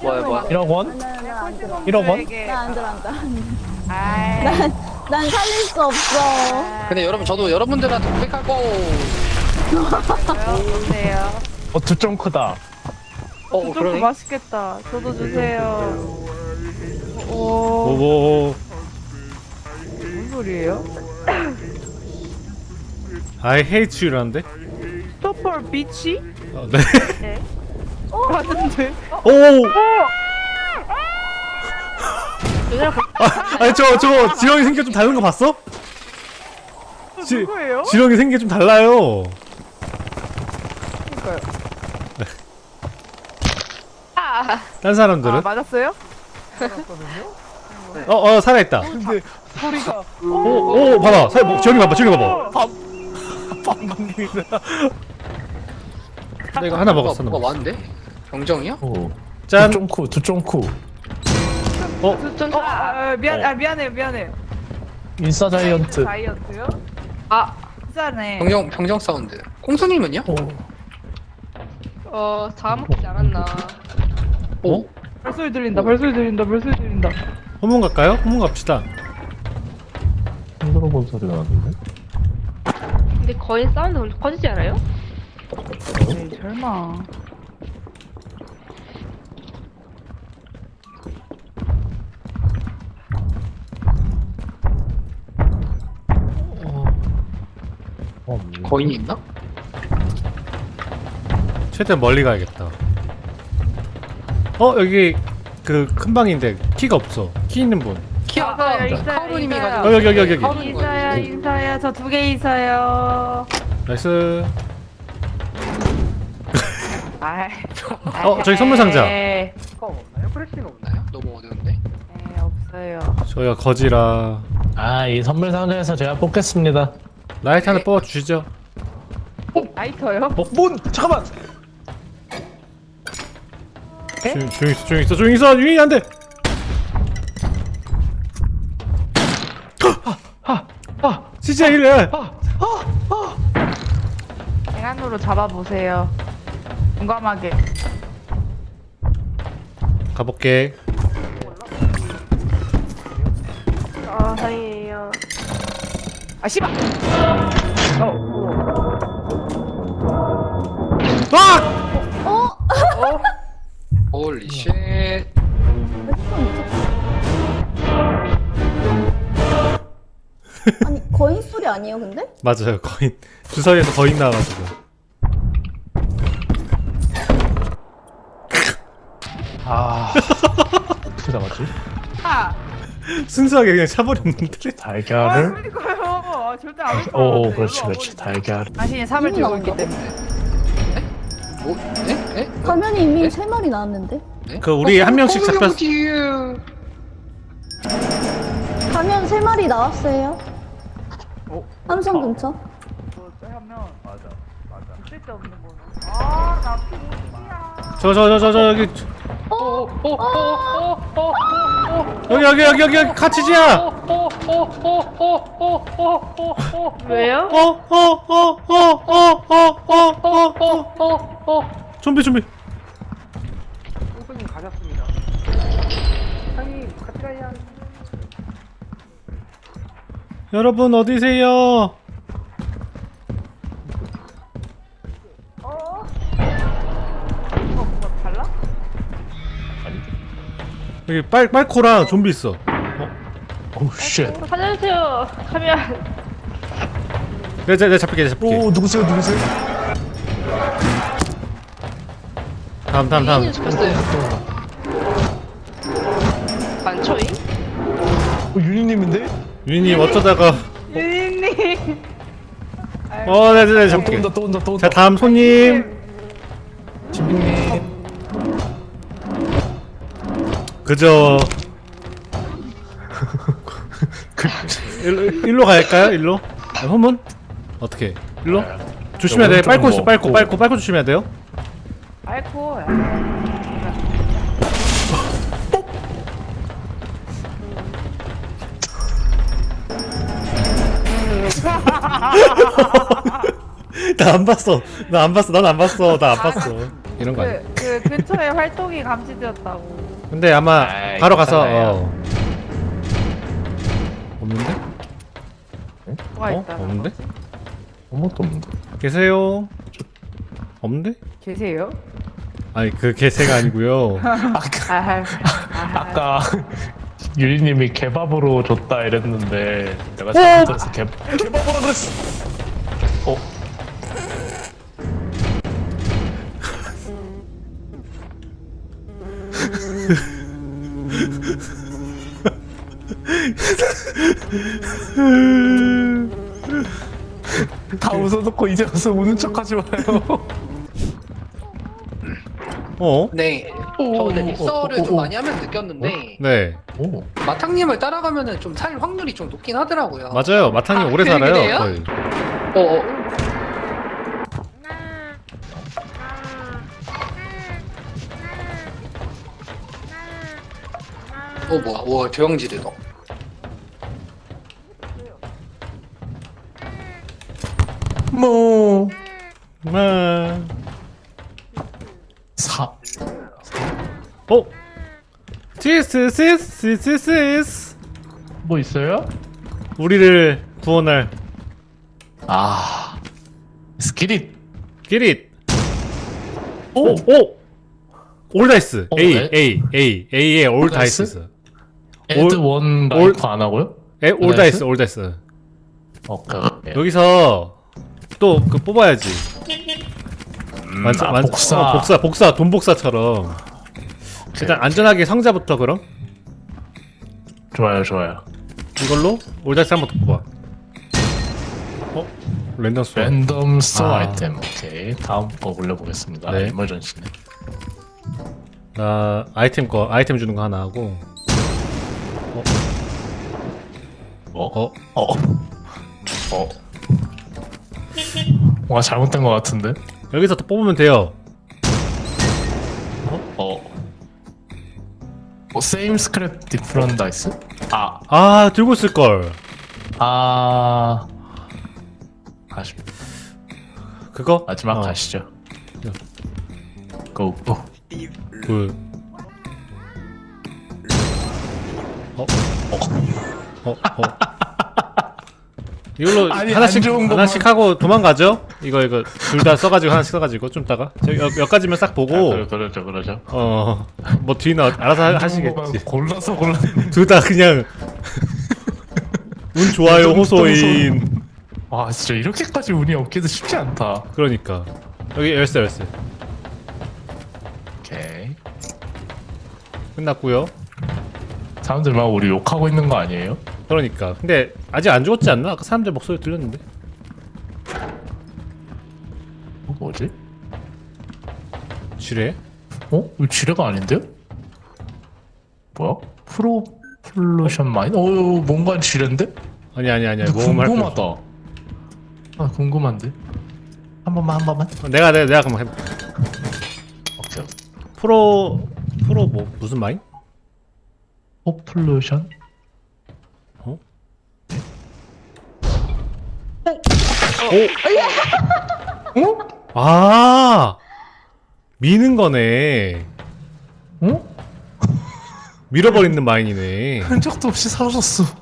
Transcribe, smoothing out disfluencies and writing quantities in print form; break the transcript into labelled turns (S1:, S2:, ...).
S1: 뭐야.
S2: 1억 원?
S3: 난
S2: 1억 원?
S3: 안 들어.
S4: 아이.
S3: 난 살릴 수 없어.
S1: 근데 여러분 저도 여러분들한테 고백하고
S4: 보세요.
S2: 두 점 크다.
S4: 조금
S1: 그러네.
S4: 맛있겠다. 저도 주세요. 오,
S5: 오오.
S4: 무슨 소리예요?
S5: I hate you라는데?
S4: 스토퍼 비치?
S5: 네.
S4: 네. 봤는데?
S5: 오. 아니 저거 지렁이 생겨 좀 다른 거 봤어?
S4: 누구예요?
S5: 지렁이 생겨 좀 달라요.
S4: 그러니까요.
S5: 딴 사람들은?
S4: 아, 맞았어요?
S5: 살아있다.
S2: 근데 소리가
S5: 오 봐봐. 지렁이 봐봐.
S2: 빵빵입니다.
S5: 나 이거 하나 먹었어.
S1: 뭐가 왔는데? 병정이야?
S5: 짠.
S2: 두쫑쿠.
S4: 미안해요.
S2: 인싸 자이언트.
S4: 다이어트요? 비싸네.
S1: 병정 사운드. 콩순이면요?
S6: 다 먹지 않았나.
S1: 오.
S4: 벌소리 들린다.
S5: 후문 갈까요? 후문 갑시다.
S2: 흔들어 본 소리가 나는데.
S6: 근데 거의 사운드 엄청 커지지 않아요?
S4: 에이, 설마.
S1: 거인이 있나?
S5: 최대한 멀리 가야겠다. 여기 그 큰 방인데 키가 없어. 키 있는 분.
S4: 있어요.
S1: 카오루님이
S4: 있어요.
S1: 가지고.
S5: 여기.
S1: 카오루님 가지고.
S4: 인사야. 저 2개 있어요.
S5: 나이스.
S4: 아이.
S5: 저기 선물 상자.
S4: 네,
S1: 없나요? 프레시가 없나요? 너무 어려운데.
S4: 없어요.
S5: 저희가 거지라.
S2: 이 선물 상자에서 제가 뽑겠습니다.
S5: 라이트 하나 뽑아주시죠.
S4: 라이터요?
S2: 문! 잠깐만!
S5: 조용히 있어. 유인이 안 돼. 진짜 이래.
S4: 행안으로 잡아보세요. 용감하게.
S5: 가볼게.
S6: 다행이에요.
S4: 아, 씨발!
S1: 홀리 쉣.
S3: 아니 거인 소리 아니에요 근데?
S5: 맞아요. 거인 주사위에서 거인 나와가지고.
S2: 어떻게 잡았지?
S5: 순수하게 그냥 차버렸는데.
S2: 달걀을?
S4: 그러니까요. 절대 안할 거예요.
S2: 그렇지. 달걀.
S4: 당신이 3을 들고 있기
S3: 나온다고?
S4: 때문에.
S1: 뭐? 네?
S3: 화면이 이미 3마리 나왔는데?
S5: 그 우리 한 명씩 잡혔.
S3: 화면 3마리 나왔어요. 삼성 근처.
S4: 하면 맞아. 쓸데없는 거는. 나 피곤이야.
S5: 여기 카치지야.
S6: 왜요?
S5: 좀비.
S1: 콩순님 가셨습니다. 형님 같이 가야.
S5: 여러분 어디세요?
S4: 뭐가 달라?
S5: 여기 빨코랑 좀비 있어.
S2: 오우 쉣.
S6: 살려주세요. 가면.
S5: 내가 잡힐게.
S2: 누구세요?
S5: 다음.
S6: 이인이 죽였어요. 많죠잉?
S2: 윤희님인데?
S5: 유니님 어쩌다가.
S4: 유인님.
S5: 내가 잡힐게.
S2: 또 온다.
S5: 자 다음 손님.
S2: 지빈님.
S5: 그저 일로 갈까요? 일로? 후문? 어떻게? 일로? 조심해야 돼. 빨고 있어. 빨고 조심해야 돼요.
S4: 아이고.
S5: 나 안 봤어. 난 안 봤어. 이런 거 아니야?
S4: 그 근처에 활동이 감지되었다고.
S5: 근데 아마
S2: 아이,
S5: 바로 가서
S2: 괜찮아요.
S5: 없는데?
S4: 뭐가 있다.
S5: 없는데?
S2: 아무것도 없는데.
S5: 계세요? 없는데?
S4: 계세요?
S5: 아니 그 개새가 아니고요.
S4: 아,
S2: 아까 유리님이 개밥으로 줬다 이랬는데 내가 잘못 들어서 개밥으로 그랬어. 어? 다 웃어놓고 이제 와서 우는 척하지 마요.
S5: 어?
S7: 네. 저 근데 닉서를 좀 많이 하면서 느꼈는데
S5: 네
S2: 오.
S7: 마탕님을 따라가면은 좀 살 확률이 좀 높긴 하더라고요.
S5: 맞아요. 마탕이
S7: 아,
S5: 오래
S7: 그래요?
S5: 살아요. 거의.
S7: 뭐야? 와 조영지대다.
S2: 뭐.
S5: 아.
S2: 사.
S5: 어? 지스스스스스스
S2: 뭐 있어요?
S5: 우리를 구원할
S2: 아. 스키릿.
S5: 기릿.
S2: 오.
S5: 오! 올 다이스. A
S2: 네?
S5: A에 올
S2: 다이스?
S5: 다이스.
S2: 에드 원 라이프 안 하고요?
S5: 올 다이스 올 다이스.
S2: 오케이. 오케이.
S5: 여기서 또 그 뽑아야지.
S2: 복사.
S5: 복사 돈 복사처럼. 일단 안전하게 상자부터 그럼
S2: 좋아요, 좋아요.
S5: 이걸로 올 다이스 한번 더 뽑아. 어? 랜덤 스
S2: 랜덤 스토어
S5: 아.
S2: 아이템. 오케이. 다음 거 올려보겠습니다.
S5: 네.
S2: 에머전시네.
S5: 나 아이템 주는 거 하나 하고.
S2: 어? 뭔가 잘못된 것 같은데?
S5: 여기서 또 뽑으면 돼요.
S2: same scrap different dice?
S5: 아 들고 있을 걸.
S2: 아쉽.
S5: 그거
S2: 마지막 가시죠. 고.
S5: 그 이걸로
S2: 아니,
S5: 하나씩
S2: 안 좋은 것만-
S5: 하나씩 하고 도망가죠. 이거 둘 다 써가지고 하나씩 써가지고 좀 따가 몇 가지면 싹 보고
S2: 그러죠.
S5: 뭐 뒤는 알아서 하시겠지.
S2: 골라서
S5: 둘 다 그냥 운 좋아요 호소인.
S2: 와, 진짜 이렇게까지 운이 없기도 쉽지 않다.
S5: 그러니까 여기 열쇠
S2: 오케이.
S5: 끝났고요.
S2: 사람들 막 우리 욕하고 있는 거 아니에요?
S5: 그러니까 근데 아직 안 죽었지 않나? 아까 사람들 목소리 들렸는데.
S2: 뭐지?
S5: 지뢰?
S2: 이거 지뢰가 아닌데요? 뭐야? 프로플루션 마인? 뭔가 지뢰인데?
S5: 아니야
S2: 근데
S5: 모험할 거.
S2: 궁금하다. 궁금한데? 한 번만.
S5: 내가 그럼 해볼게.
S2: 오케이.
S5: 프로 뭐 무슨 마인?
S2: 포플루션?
S5: 아 미는 거네.
S2: 어?
S5: 밀어버리는 마인이네.
S2: 흔적도 없이 사라졌어.